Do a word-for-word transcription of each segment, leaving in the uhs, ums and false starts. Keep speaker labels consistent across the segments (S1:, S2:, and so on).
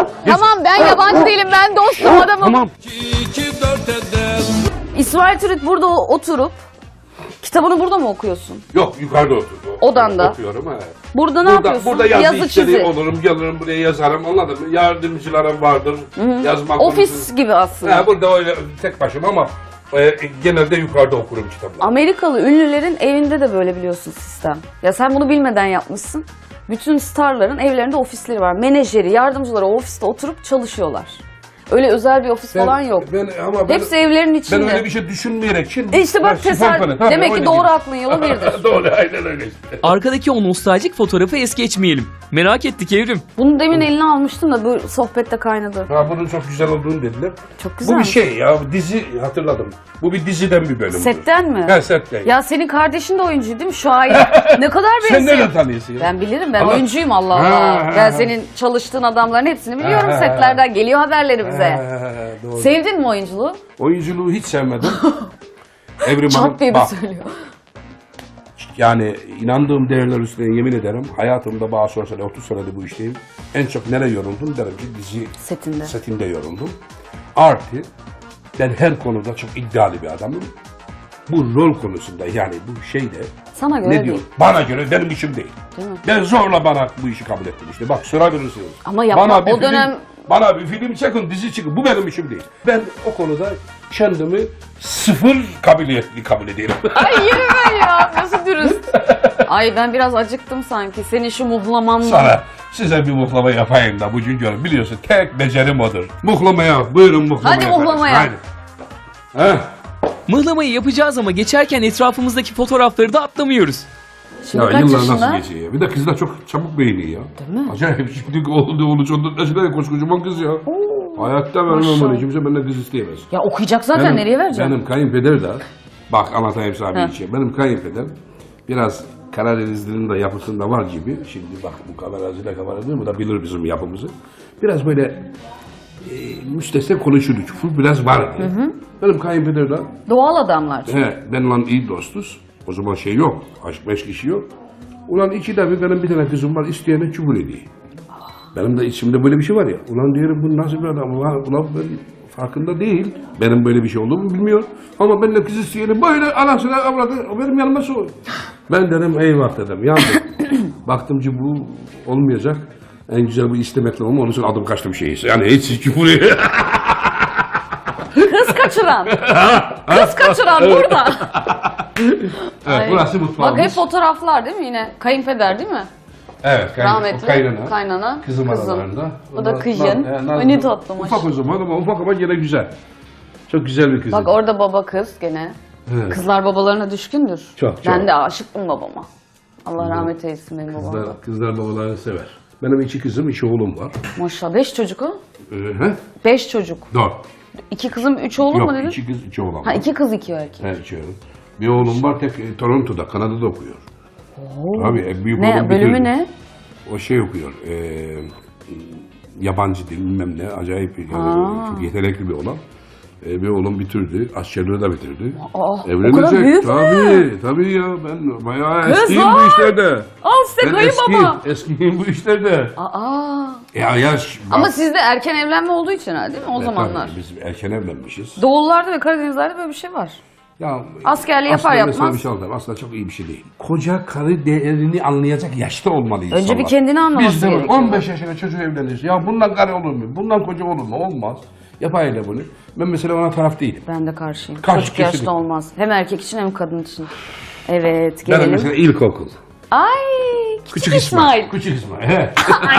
S1: Tamam ben yabancı değilim, ben dostum adamım.
S2: Tamam.
S1: İsmail Türüt burada oturup kitabını burada mı okuyorsun?
S2: Yok, yukarıda oturuyorum.
S1: Odanda.
S2: Okuyorum, evet.
S1: Burada ne
S2: Burada,
S1: yapıyorsun?
S2: burada yazı,
S1: Yazı
S2: işleri
S1: çizi.
S2: olurum, gelirim buraya yazarım, anladın mı? Yardımcılarım vardır, yazmak
S1: Ofis
S2: konusunda.
S1: gibi aslında.
S2: He, burada öyle tek başıma ama e, genelde yukarıda okurum kitapları.
S1: Amerikalı ünlülerin evinde de böyle biliyorsun sistem. Ya sen bunu bilmeden yapmışsın. Bütün starların evlerinde ofisleri var. Menajeri, yardımcıları o ofiste oturup çalışıyorlar. Öyle özel bir ofis falan yok.
S2: Ben, ama ben,
S1: Hepsi evlerin içinde.
S2: ben öyle bir şey düşünmeyerek şimdi.
S1: E işte bak tesadüf. Demek ki doğru aklın yolu birdir.
S2: Doğru, aynen öyle işte.
S3: Arkadaki o nostaljik fotoğrafı es geçmeyelim. Merak ettik Evrim.
S1: Bunu demin eline almıştım da bu sohbette kaynadı.
S2: Ha, bunun çok güzel olduğunu dediler.
S1: Çok güzel.
S2: Bu bir şey ya, dizi hatırladım. Bu bir diziden bir bölümdür.
S1: Setten mi?
S2: He, setten.
S1: Ya senin kardeşin de oyuncu değil mi? Şair. Ne kadar benziyor.
S2: Sen nereden tanıyorsun ya?
S1: Ben bilirim, ben
S2: Ama-
S1: oyuncuyum Allah
S2: Ha,
S1: Allah.
S2: ha,
S1: Ben
S2: ha.
S1: senin çalıştığın adamların hepsini biliyorum
S2: Ha, ha,
S1: setlerden. Geliyor haberleri bize.
S2: He, doğru.
S1: Sevdin mi oyunculuğu?
S2: Oyunculuğu hiç sevmedim. Evrim Hanım,
S1: Çat diye bir
S2: bak,
S1: söylüyor.
S2: yani inandığım değerler üstüne yemin ederim. Hayatımda bana sorsan otuz senedir bu işteyim. En çok nereye yoruldum derim ki dizi
S1: Setinde.
S2: setinde yoruldum. Artı ben her konuda çok iddialı bir adamım. Bu rol konusunda yani bu şeyde
S1: Sana göre
S2: ne
S1: değil.
S2: diyor? Bana göre benim işim değil.
S1: Değil mi?
S2: Ben zorla bana bu işi kabul ettim işte. Bak sorabilirsiniz.
S1: Ama yapma,
S2: Bana bir
S1: o
S2: film-
S1: dönem-
S2: Bana bir film çekin, dizi çıkın. Bu benim işim değil. Ben o konuda kendimi sıfır kabiliyetli kabul ediyorum.
S1: Ay yerim ben ya. Nasıl dürüst. Ay ben biraz acıktım sanki. Senin şu muhlamanla.
S2: Sana size bir muhlama yapayım da bugün görün. Biliyorsun tek becerim odur. Muhlamaya, buyurun muhlamaya.
S1: Hadi muhlamaya.
S2: kardeşim, Hadi. Heh.
S3: Mıhlamayı yapacağız ama geçerken etrafımızdaki fotoğrafları da atlamıyoruz.
S1: Şimdi
S2: Ya
S1: kaç
S2: yıllar
S1: yaşında?
S2: nasıl geçiyor ya? Bir de kızlar çok çabuk beğeniyor ya.
S1: Değil mi?
S2: Acayip. Şimdi oldu oldu çocuk yaşında koskocaman kız ya. Hayatta vermem
S1: maşallah.
S2: onu. Kimse benden kız isteyemez.
S1: Ya okuyacak zaten, nereye vereceğim?
S2: Benim kayınpeder de, bak anlatayım sana
S1: Heh.
S2: bir şey. Benim kayınpeder biraz Karadenizli'nin de yapısında var gibi. Şimdi bak bu kameracıyla kamera değil mi? Da bilir bizim yapımızı. Biraz böyle e, müstesna konuşurdu. Küfür biraz vardı. Hı hı. Benim kayınpeder de,
S1: Doğal adamlar.
S2: he, benimle iyi dostuz. O zaman şey yok, aşk meşk işi yok. Ulan iki de bir benim bir tane kızım var, isteyene küfür ediyor. Benim de içimde böyle bir şey var ya. Ulan diyorum bu nasıl bir adam? Ulan, ulan ben farkında değil. Benim böyle bir şey olduğumu bilmiyor. Ama ben de kız isteyeni böyle anasına avradı. Benim yanıma soğuyor. Ben dedim eyvah dedim. Yandım. Baktım ki bu olmayacak. En güzel bu istemekle olma. Onun için adım kaçtım şeyi. Yani hiç küfür.
S1: Kız kaçıran. Kız kaçıran burada.
S2: Evet,
S1: Ay.
S2: burası mutfağımız.
S1: Bak hep fotoğraflar değil mi yine? Kayınpeder değil mi?
S2: Evet, kayn
S1: Rahmetli.
S2: kaynana.
S1: Kaynana.
S2: Kızım,
S1: kızım.
S2: aralarında.
S1: O da
S2: Onlar-
S1: kızın.
S2: Naz- Naz-
S1: O ne tatlı
S2: Ufak
S1: maşallah.
S2: o zaman ama ufak ama yine güzel. Çok güzel bir kız.
S1: Bak orada baba kız gene.
S2: Evet.
S1: Kızlar babalarına düşkündür.
S2: Çok, çok.
S1: Ben de aşıktım babama. Allah rahmet eylesin benim babama.
S2: Kızlar, kızlar babalarını sever. Benim iki kızım, iki oğlum var.
S1: Maşallah. Beş çocuk o.
S2: Ee, he?
S1: Beş çocuk.
S2: Dört.
S1: İki kızım, üç oğlum
S2: Yok,
S1: mu dedin?
S2: iki kız, iki oğlan
S1: Ha
S2: var.
S1: iki kız, iki erkek.
S2: He, iki oğlum. Bir oğlum var tek e, Toronto'da, Kanada'da okuyor. Tabii en büyük
S1: Ne,
S2: oğlum
S1: bölümü
S2: bitirdi.
S1: ne?
S2: O şey okuyor. E, yabancı dil bilmem ne. Acayip yani,
S1: Aa.
S2: çok yetenekli bir oğlan. E, bir oğlum bitirdi. Askerliği de bitirdi.
S1: Aa, o kadar
S2: Evlenecek.
S1: büyük mü?
S2: Tabii, tabii ya. Ben bayağı
S1: Kız
S2: eskiyim
S1: var.
S2: bu işlerde.
S1: Al size
S2: Ben
S1: kayınbaba.
S2: eskiyim, eskiyim bu işlerde.
S1: Aa.
S2: Ya yaş.
S1: Ama sizde erken evlenme olduğu için herhalde değil mi o zamanlar?
S2: Biz erken evlenmişiz.
S1: Doğullarda ve Karadenizlerde böyle bir şey var.
S2: Ya,
S1: Askerliği yapar
S2: aslında mesela
S1: yapmaz.
S2: bir şey anlatayım. Aslında çok iyi bir şey değil. Koca karı değerini anlayacak yaşta olmalı insanlar.
S1: Önce bir kendini anlaması
S2: Biz de böyle
S1: gerekiyor.
S2: on beş yaşında çocuğu evleniriz. Ya bundan karı olur mu? Bundan koca olur mu? Olmaz. Yapayla bunu. Ben mesela ona taraf değilim.
S1: Ben de karşıyım.
S2: Karşı
S1: Çocuk yaşta
S2: kesinlikle.
S1: olmaz. Hem erkek için hem kadın için. Evet
S2: Ben
S1: gelelim.
S2: mesela ilkokul.
S1: Ay küçük,
S2: Küçük
S1: İsmail.
S2: İsmail. Küçük İsmail. He.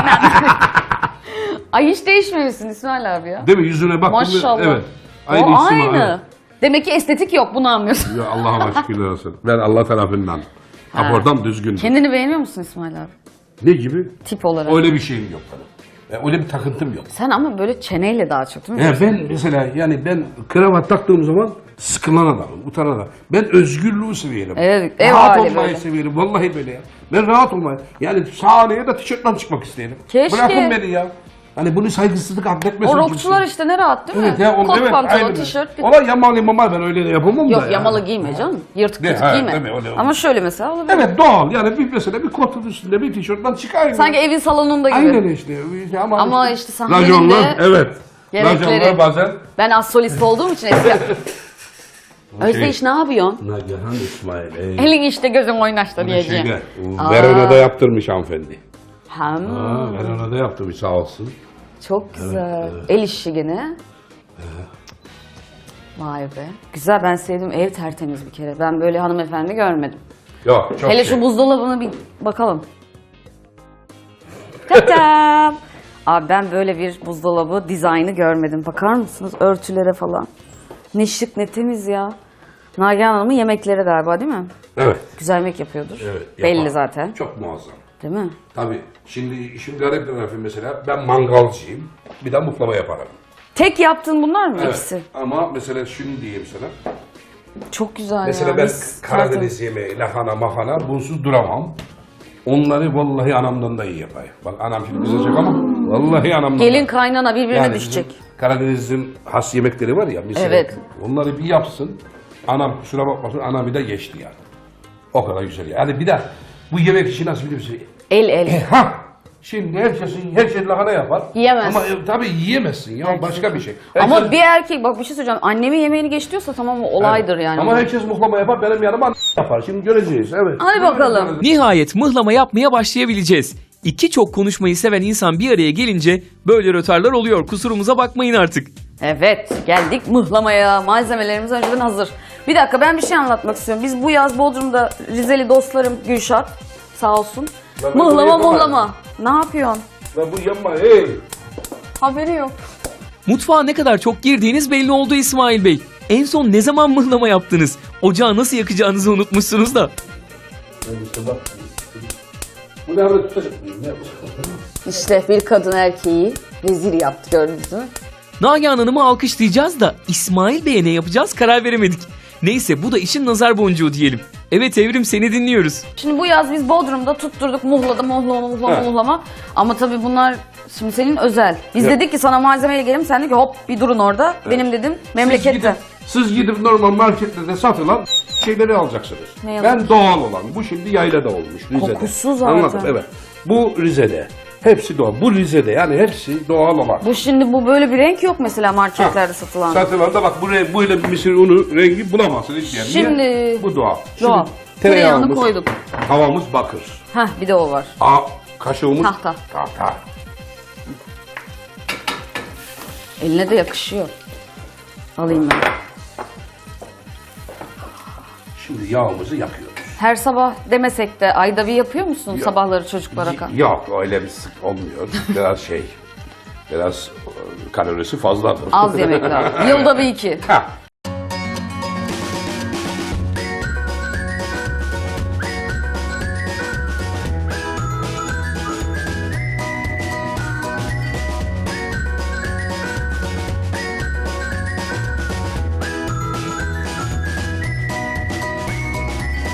S1: Ay hiç değişmemişsin İsmail abi ya.
S2: Değil mi? Yüzüne bak.
S1: Maşallah.
S2: Evet.
S1: O
S2: İsmail,
S1: aynı.
S2: evet.
S1: Demek ki estetik yok, bunu anlıyorsun.
S2: Ya Allah'a şükürler olsun. Ben Allah tarafından.
S1: Ha.
S2: Rapordan düzgün.
S1: Kendini beğeniyor musun İsmail abi?
S2: Ne gibi?
S1: Tip olarak.
S2: Öyle bir şeyim yok benim. Ya öyle bir takıntım yok.
S1: Sen ama böyle çeneyle daha çok değil mi?
S2: Ya ben mesela yani ben kravat taktığım zaman sıkılan adamım, utanan adamım. Ben özgürlüğü seviyorum.
S1: Evet, ev
S2: rahat
S1: hali
S2: olmayı
S1: böyle.
S2: seviyorum. Vallahi böyle ya. Ben rahat olmayı. Yani sahneye de tişörtle çıkmak isterim.
S1: Keşke.
S2: Bırakın beni ya. Hani bunu saygısızlık adletmesin.
S1: O rockçular işte ne rahat değil mi?
S2: Evet ya, on,
S1: Kot
S2: evet,
S1: pantolon,
S2: aynen.
S1: tişört. bir-
S2: Ola yamalı mama ben öyle de yapamam da.
S1: Yok
S2: ya.
S1: yamalı giyme canım. Yırtık
S2: Ne,
S1: pırtık
S2: ha,
S1: giyme.
S2: tabii, öyle
S1: Ama
S2: olur.
S1: şöyle mesela olabilir.
S2: Evet doğal yani bir mesela bir kotun üstünde bir tişörtten çıkar.
S1: Sanki evin salonunda gibi.
S2: Aynen işte. Ama,
S1: Ama işte sahnenin
S2: Raconlar,
S1: de
S2: evet.
S1: gerekleri.
S2: Raconlar bazen.
S1: Ben az solist olduğum için eskiden. Özdeyiş ne yapıyorsun?
S2: Nagihan İsmail. Ey.
S1: Elin işte gözün oynaştı diyeceğim.
S2: Şeyde,
S1: Aa.
S2: Verona'da yaptırmış hanımefendi.
S1: Hem.
S2: Ha, Verona'da yaptırmış sağ olsun.
S1: Çok güzel. El işi gene. Vay be. Güzel, ben sevdim. Ev tertemiz bir kere. Ben böyle hanımefendi görmedim.
S2: Yok çok
S1: Hele
S2: şey.
S1: şu buzdolabına bir bakalım. Tatam. Abi ben böyle bir buzdolabı dizaynı görmedim. Bakar mısınız örtülere falan. Ne şık ne temiz ya. Nagihan Hanım'ın yemekleri galiba değil mi?
S2: Evet.
S1: Güzel yemek yapıyordur.
S2: Evet.
S1: Belli
S2: yapar.
S1: zaten.
S2: Çok muazzam.
S1: Değil mi?
S2: Tabii şimdi işin garip tarafı mesela ben mangalcıyım. Bir de muhlama yaparım.
S1: Tek yaptığın bunlar mı ikisi?
S2: Ama mesela şunu diyeyim sana.
S1: Çok güzel
S2: Mesela
S1: ya.
S2: ben
S1: mis,
S2: Karadeniz yemeği, lahana, mahana bunsuz duramam. Onları vallahi anamdan da iyi yapayım. Bak anam şimdi kızacak ama vallahi anamdan
S1: Gelin
S2: da.
S1: kaynana birbirine
S2: Yani
S1: düşecek.
S2: bizim Karadeniz'in has yemekleri var ya mesela.
S1: Evet.
S2: Onları bir yapsın. Anam kusura bakmasın anamı da geçti yani. O kadar güzel yani. Bir de bu yemek işi nasıl biliyor musun?
S1: El el.
S2: Ha! Şimdi herkesin her şey lahana yapar.
S1: Yiyemez.
S2: Ama e, tabii yiyemezsin ya başka bir şey.
S1: Ama
S2: Herkes-
S1: bir erkek bak bir şey söyleyeceğim. Annemin yemeğini geç diyorsa tamam o olaydır yani.
S2: Ama herkes muhlama yapar benim yanıma yapar. Şimdi göreceğiz evet.
S1: Hadi bakalım.
S3: Nihayet mıhlama yapmaya başlayabileceğiz. İki çok konuşmayı seven insan bir araya gelince böyle rötarlar oluyor. Kusurumuza bakmayın artık.
S1: Evet geldik mıhlamaya. Malzemelerimiz önceden hazır. Bir dakika ben bir şey anlatmak istiyorum. Biz bu yaz Bodrum'da Rizeli dostlarım Gülşat sağ olsun.
S2: Ben bunu
S1: Mıhlama
S2: yapamam.
S1: mıhlama. Ne yapıyorsun?
S2: Lan bu yanma hey.
S1: Haberi yok.
S3: Mutfağa ne kadar çok girdiğiniz belli oldu İsmail Bey. En son ne zaman mıhlama yaptınız? Ocağı nasıl yakacağınızı unutmuşsunuz da.
S2: Bu ne yapacak? tutacak? Ne yapacak?
S1: İşte bir kadın erkeği rezil yaptı gördünüz mü?
S3: Nagihan Hanım'ı alkışlayacağız da İsmail Bey'e ne yapacağız karar veremedik. Neyse bu da işin nazar boncuğu diyelim. Evet Evrim seni dinliyoruz.
S1: Şimdi bu yaz biz Bodrum'da tutturduk muhlada muhlama muhlama
S2: Evet.
S1: muhlama. Ama tabii bunlar şimdi senin özel. Biz
S2: Evet.
S1: dedik ki sana malzemeyle gelelim. Sen dedin ki hop bir durun orada. Benim dedim
S2: Siz
S1: memlekette.
S2: gidip, siz gidip normal marketlerde satılan şeyleri alacaksınız.
S1: Ne
S2: ben
S1: alacağım?
S2: doğal olan. Bu şimdi yaylada olmuş Rize'de.
S1: Kokusu zaten.
S2: Anladım evet. Bu Rize'de. Hepsi doğal. Bu Rize'de yani hepsi doğal olan.
S1: Bu şimdi bu böyle bir renk yok mesela marketlerde satılan.
S2: Satılan da bak bu re- böyle bir mısır unu rengi bulamazsınız hiçbir yerde.
S1: Şimdi-
S2: Niye? Bu doğal.
S1: Doğal.
S2: Şimdi
S1: Tereyağını koyduk.
S2: Havamız bakır.
S1: Heh bir de o var.
S2: A kaşığımız
S1: Tahta.
S2: Tahta.
S1: Eline de yakışıyor. Alayım ben.
S2: Şimdi yağımızı yakıyoruz.
S1: Her sabah demesek de ayda bir yapıyor musun sabahları çocuklara? ka-
S2: Yok öyle bir sık olmuyor. Biraz şey. Biraz e, kalorisi fazladır.
S1: Az yemek lazım. Yılda bir iki.
S2: Ha,